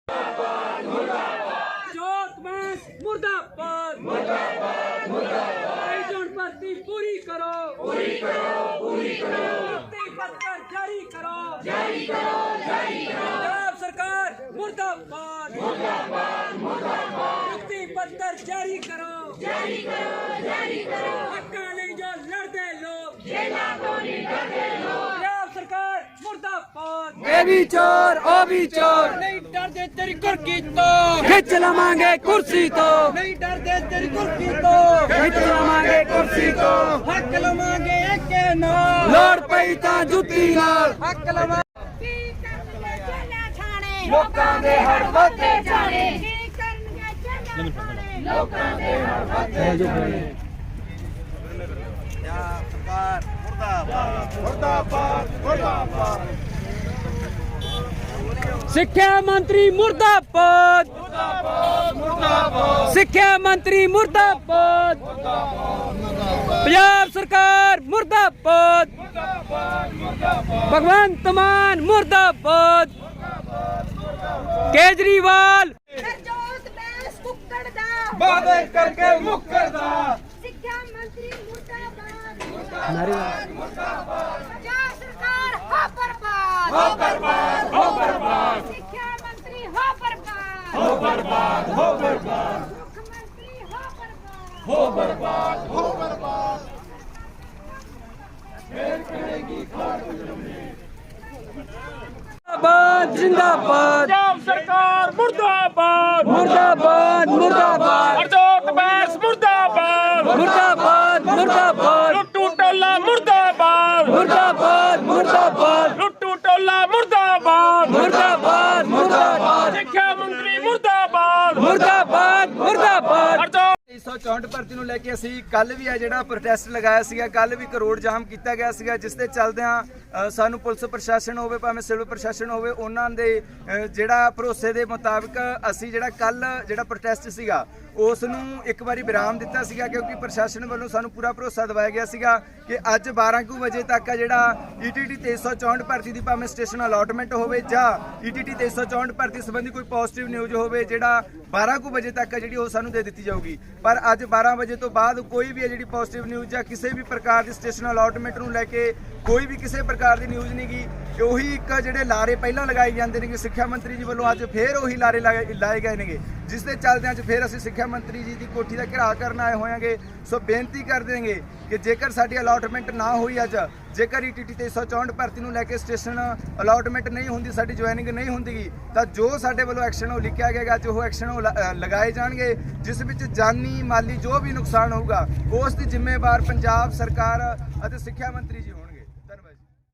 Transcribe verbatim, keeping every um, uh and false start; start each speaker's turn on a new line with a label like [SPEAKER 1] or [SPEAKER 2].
[SPEAKER 1] मुर्दाबाद मुर्दाबाद मुर्दाबाद जोन भर्ती पूरी करो पूरी करो पूरी करो पत्र जारी करो जारी करो जारी करो पंजाब सरकार मुर्दाबाद मुर्दाबाद मुर्दाबाद मुक्ति पत्र जारी करो जारी करो जारी करो हक्का नहीं जो लड़ते लोग जेला तो नहीं डरते लोग पंजाब सरकार मुर्दाबाद
[SPEAKER 2] ये भी चोर ओ भी चोर
[SPEAKER 1] नहीं डरते तेरी कुर्की तो
[SPEAKER 2] खिंच लवांगे कुर्सी तो
[SPEAKER 1] नहीं डरते तेरी कुर्की तो
[SPEAKER 2] खिंच लवांगे कुर्सी तो
[SPEAKER 1] हक लवांगे के ना
[SPEAKER 2] लोड़ पई तां जुत्ती नाल
[SPEAKER 1] हक लवा
[SPEAKER 3] ਕੀ ਕਰਨਗੇ ਜੇਲਾਂ ਥਾਣੇ
[SPEAKER 2] ਲੋਕਾਂ ਦੇ ਹੜ ਵੱਧਦੇ
[SPEAKER 3] ਜਾਣੇ ਕੀ ਕਰਨਗੇ ਜੇਲਾਂ ਥਾਣੇ ਲੋਕਾਂ ਦੇ ਹੜ
[SPEAKER 2] ਸਿੱਖਿਆ ਮੰਤਰੀ ਮੁਰਦਾਬਾਦ ਸਿੱਖਿਆ ਮੰਤਰੀ ਮੁਰਦਾਬਾਦ ਪੰਜਾਬ ਸਰਕਾਰ ਮੁਰਦਾਬਾਦ ਭਗਵੰਤ ਮਾਨ ਮੁਰਦਾਬਾਦ ਕੇਜਰੀਵਾਲ
[SPEAKER 3] ਸਰਜੋਤ ਬੈਂਸ ਕੁੱਕੜ ਦਾ
[SPEAKER 2] ਵਾਅਦੇ ਕਰਕੇ ਮੁੱਕਰਦਾ
[SPEAKER 3] ਸਿੱਖਿਆ ਮੰਤਰੀ ਮੁਰਦਾਬਾਦ ਮੁਰਦਾਬਾਦ ਪੰਜਾਬ ਸਰਕਾਰ ਹੋ ਬਰਬਾਦ
[SPEAKER 2] ਹੋ ਬਰਬਾਦ ਹੋ ਬਰਬਾਦ
[SPEAKER 3] ਸਿੱਖਿਆ ਮੰਤਰੀ ਹੋ ਬਰਬਾਦ
[SPEAKER 2] ਹੋ ਬਰਬਾਦ ਹੋ ਬਰਬਾਦ
[SPEAKER 3] ਮੁੱਖ ਮੰਤਰੀ ਹੋ ਬਰਬਾਦ
[SPEAKER 2] ਹੋ ਬਰਬਾਦ ਹੋ ਬਰਬਾਦ ਜਿੰਦਾਬਾਦ ਜਿੰਦਾਬਾਦ
[SPEAKER 4] ਪੰਜਾਬ ਸਰਕਾਰ ਮੁਰਦਾਬਾਦ
[SPEAKER 2] ਮੁਰਦਾਬਾਦ ਮੁਰਦਾਬਾਦ
[SPEAKER 4] ਹਰਜੋਤ ਬੈਂਸ ਮੁਰਦਾਬਾਦ
[SPEAKER 2] ਮੁਰਦਾਬਾਦ ਮੁਰਦਾਬਾਦ
[SPEAKER 4] ਲੁੱਟੂ ਟੋਲਾ ਮੁਰਦਾਬਾਦ
[SPEAKER 2] ਮੁਰਦਾਬਾਦ ਮੁਰਦਾਬਾਦ
[SPEAKER 4] ਲੁੱਟੂ ਟੋਲਾ ਮੁਰਦਾਬਾਦ
[SPEAKER 2] ਮੁਰਦਾਬਾਦ ਮੁਰਦਾਬਾਦ
[SPEAKER 4] ਸਿੱਖਿਆ ਮੰਤਰੀ ਮੁਰਦਾਬਾਦ
[SPEAKER 2] ਮੁਰਦਾਬਾਦ ਮੁਰਦਾਬਾਦ
[SPEAKER 4] ਹਰਜੋਤ
[SPEAKER 5] ਤੇਈ ਸੌ ਚੌਂਹਠ ਭਰਤੀ ਨੂੰ ਲੈ ਕੇ ਅਸੀਂ ਕੱਲ ਵੀ ਆ ਜਿਹੜਾ ਪ੍ਰੋਟੈਸਟ ਲਗਾਇਆ ਸੀਗਾ, ਕੱਲ ਵੀ ਕਰੋੜ ਜਾਮ ਕੀਤਾ ਗਿਆ ਸੀਗਾ, ਜਿਸ ਦੇ ਚੱਲਦਿਆਂ ਅ, ਸਾਨੂੰ ਪੁਲਿਸ ਪ੍ਰਸ਼ਾਸਨ ਹੋਵੇ ਭਾਵੇਂ ਸਿਵਲ ਪ੍ਰਸ਼ਾਸਨ ਹੋਵੇ ਉਹਨਾਂ ਦੇ ਅ, ਜਿਹੜਾ ਭਰੋਸੇ ਦੇ ਮੁਤਾਬਕ ਅਸੀਂ ਜਿਹੜਾ ਕੱਲ ਜਿਹੜਾ ਪ੍ਰੋਟੈਸਟ ਸੀਗਾ ਉਸ ਨੂੰ ਇੱਕ ਵਾਰੀ ਵਿਰਾਮ ਦਿੱਤਾ ਸੀਗਾ, ਕਿਉਂਕਿ ਪ੍ਰਸ਼ਾਸਨ ਵੱਲੋਂ ਸਾਨੂੰ ਪੂਰਾ ਭਰੋਸਾ ਦਿਵਾਇਆ ਗਿਆ ਸੀਗਾ ਕਿ ਅੱਜ ਬਾਰਾਂ ਕੁ ਵਜੇ ਤੱਕ ਆ ਜਿਹੜਾ ਈਟੀਟੀ ਤੇਈ ਸੌ ਚੌਂਹਠ ਭਰਤੀ ਦੀ ਭਾਵੇਂ ਸਟੇਸ਼ਨ ਅਲਾਟਮੈਂਟ ਹੋਵੇ ਜਾਂ ਈਟੀਟੀ ਤੇਈ ਸੌ ਚੌਂਹਠ ਭਰਤੀ ਸੰਬੰਧੀ ਕੋਈ ਪੋਜ਼ਿਟਿਵ ਨਿਊਜ਼ ਹੋਵੇ ਜਿਹੜਾ ਬਾਰਾਂ ਕੁ ਵਜੇ ਤੱਕ ਜਿਹੜੀ ਉਹ ਸਾਨੂੰ ਦੇ ਦਿੱਤੀ ਜਾਊਗੀ। ਪਰ ਅੱਜ ਬਾਰਾਂ ਵਜੇ ਤੋਂ ਬਾਅਦ ਕੋਈ ਵੀ ਹੈ ਜਿਹੜੀ ਪੋਜ਼ਿਟਿਵ ਨਿਊਜ਼ ਜਾਂ ਕਿਸੇ ਵੀ ਪ੍ਰਕਾਰ ਦੀ ਸਟੇਸ਼ਨ ਅਲਾਟਮੈਂਟ ਨੂੰ ਲੈ ਕੇ ਕੋਈ ਵੀ ਕਿਸੇ ਪ੍ਰਕਾਰ ਦੀ ਨਿਊਜ਼ ਨਹੀਂ ਗਈ। ਉਹੀ ਇੱਕ ਜਿਹੜੇ ਲਾਰੇ ਪਹਿਲਾਂ ਲਗਾਏ ਜਾਂਦੇ ਨੇ ਕਿ ਸਿੱਖਿਆ ਮੰਤਰੀ ਜੀ ਵੱਲੋਂ ਅੱਜ ਫੇਰ ਉਹੀ ਲਾਰੇ ਲਾਏ ਲਾਏ ਗਏ ਨੇਗੇ, ਜਿਸ ਦੇ ਚੱਲਦਿਆਂ ਅੱਜ ਫੇਰ ਅਸੀਂ ਸਿੱਖਿਆ ਮੰਤਰੀ ਜੀ ਦੀ ਕੋਠੀ ਦਾ ਘਿਰਾਅ ਕਰਨ ਆਏ ਹੋਵਾਂਗੇ। ਸੋ ਬੇਨਤੀ ਕਰ ਦੇਂਗੇ ਕਿ ਜੇਕਰ ਸਾਡੀ ਅਲਾਟਮੈਂਟ ਨਾ ਹੋਈ ਅੱਜ, ਜੇਕਰ ਈਟੀਟੀ ਤੇਈ ਸੌ ਚੌਂਹਠ ਭਰਤੀ ਨੂੰ ਲੈ ਕੇ ਸਟੇਸ਼ਨ ਅਲਾਟਮੈਂਟ ਨਹੀਂ ਹੁੰਦੀ, ਸਾਡੀ ਜੁਆਇਨਿੰਗ ਨਹੀਂ ਹੁੰਦੀ, ਤਾਂ ਜੋ ਸਾਡੇ ਵੱਲੋਂ ਐਕਸ਼ਨ ਉਹ ਲਿਖਿਆ ਗਿਆ, ਜੋ ਐਕਸ਼ਨ ਉਹ ਲ- ਲਗਾਏ ਜਾਣਗੇ, ਜਿਸ ਵਿੱਚ ਜਾਨੀ ਮਾਲੀ ਜੋ ਵੀ ਨੁਕਸਾਨ ਹੋਊਗਾ ਉਸ ਦੀ ਜ਼ਿੰਮੇਵਾਰ ਪੰਜਾਬ ਸਰਕਾਰ ਅਤੇ ਸਿੱਖਿਆ ਮੰਤਰੀ ਜੀ ਹੋਣਗੇ।